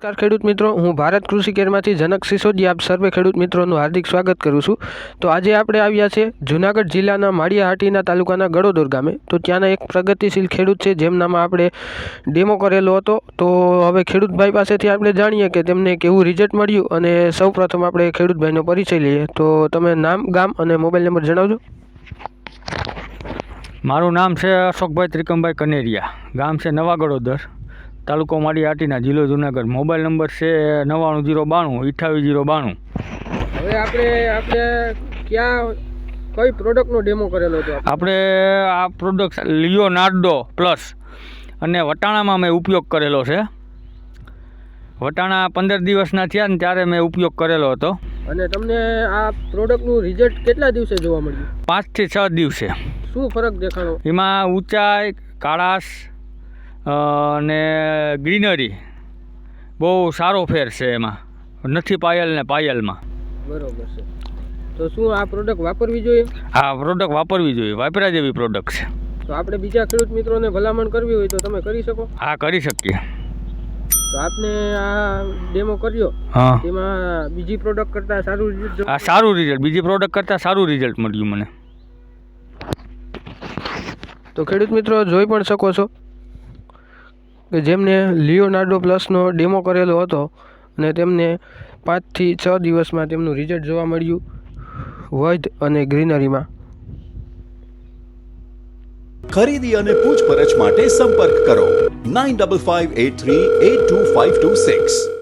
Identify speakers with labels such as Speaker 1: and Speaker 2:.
Speaker 1: નમસ્કાર ખેડૂત મિત્રો, હું ભારત કૃષિ કેરમાંથી જનક સિસોદિયા આપ સર્વે ખેડૂત મિત્રોનું હાર્દિક સ્વાગત કરું છું। તો આજે આપણે આવ્યા છે જૂનાગઢ જિલ્લાના માળિયાહાટીના તાલુકાના ગળોદર ગામે। તો ત્યાંના એક પ્રગતિશીલ ખેડૂત છે જેમનામાં આપણે ડેમો કરેલો હતો। તો હવે ખેડૂતભાઈ પાસેથી આપણે જાણીએ કે તેમને કેવું રિઝલ્ટ મળ્યું અને સૌપ્રથમ આપણે ખેડૂતભાઈનો પરિચય લઈએ। તો તમે નામ, ગામ અને મોબાઈલ નંબર જણાવજો।
Speaker 2: મારું નામ છે અશોકભાઈ ત્રિકમભાઈ કનેરિયા, ગામ છે નવા ગળોદર, તાલુકો માળિયાહાટીના, જિલ્લો જુનાગઢ। મોબાઈલ નંબર છે 9909288092।
Speaker 1: હવે આપણે ક્યાં કઈ પ્રોડક્ટનો ડેમો કરેલો હતો?
Speaker 2: આપણે આ પ્રોડક્ટ લિયોનાર્ડો પ્લસ અને વટાણામાં મેં ઉપયોગ કરેલો છે। વટાણા 15 દિવસના થયા ને ત્યારે મેં ઉપયોગ કરેલો હતો।
Speaker 1: અને તમને આ પ્રોડક્ટનું રિઝલ્ટ કેટલા દિવસે જોવા મળ્યું?
Speaker 2: 5 થી 6 દિવસે।
Speaker 1: શું ફરક દેખાણો?
Speaker 2: એમાં ઊંચાઈ, કાળાશ અને ગ્રીનરી બહુ સારો ફેર છે એમાં, નથી પાયલ ને પાયલમાં।
Speaker 1: બરોબર છે। તો શું આ પ્રોડક્ટ વાપરવી જોઈએ?
Speaker 2: હા, પ્રોડક્ટ વાપરવી જોઈએ, વાપર્યા જેવી પ્રોડક્ટ છે।
Speaker 1: તો આપણે બીજા ખેડૂત મિત્રોને ભલામણ કરવી હોય તો તમે કરી શકો?
Speaker 2: હા, કરી શકીએ।
Speaker 1: તો આપને આ ડેમો કર્યો,
Speaker 2: હા,
Speaker 1: તેમાં બીજી પ્રોડક્ટ કરતાં સારું રિઝલ્ટ?
Speaker 2: હા, સારું રિઝલ્ટ, બીજી પ્રોડક્ટ કરતાં સારું રિઝલ્ટ મળ્યું મને।
Speaker 1: તો ખેડૂત મિત્રો જોઈ પણ શકો છો કે જેમને લિયોનાર્ડો પ્લસનો ડેમો કરેલો હતો અને તેમને 5 થી 6 દિવસમાં તેમનું રિઝલ્ટ જોવા મળ્યું વધ અને ગ્રીનરીમાં।
Speaker 3: ખરીદી અને પૂછપરછ માટે સંપર્ક કરો 9558382526।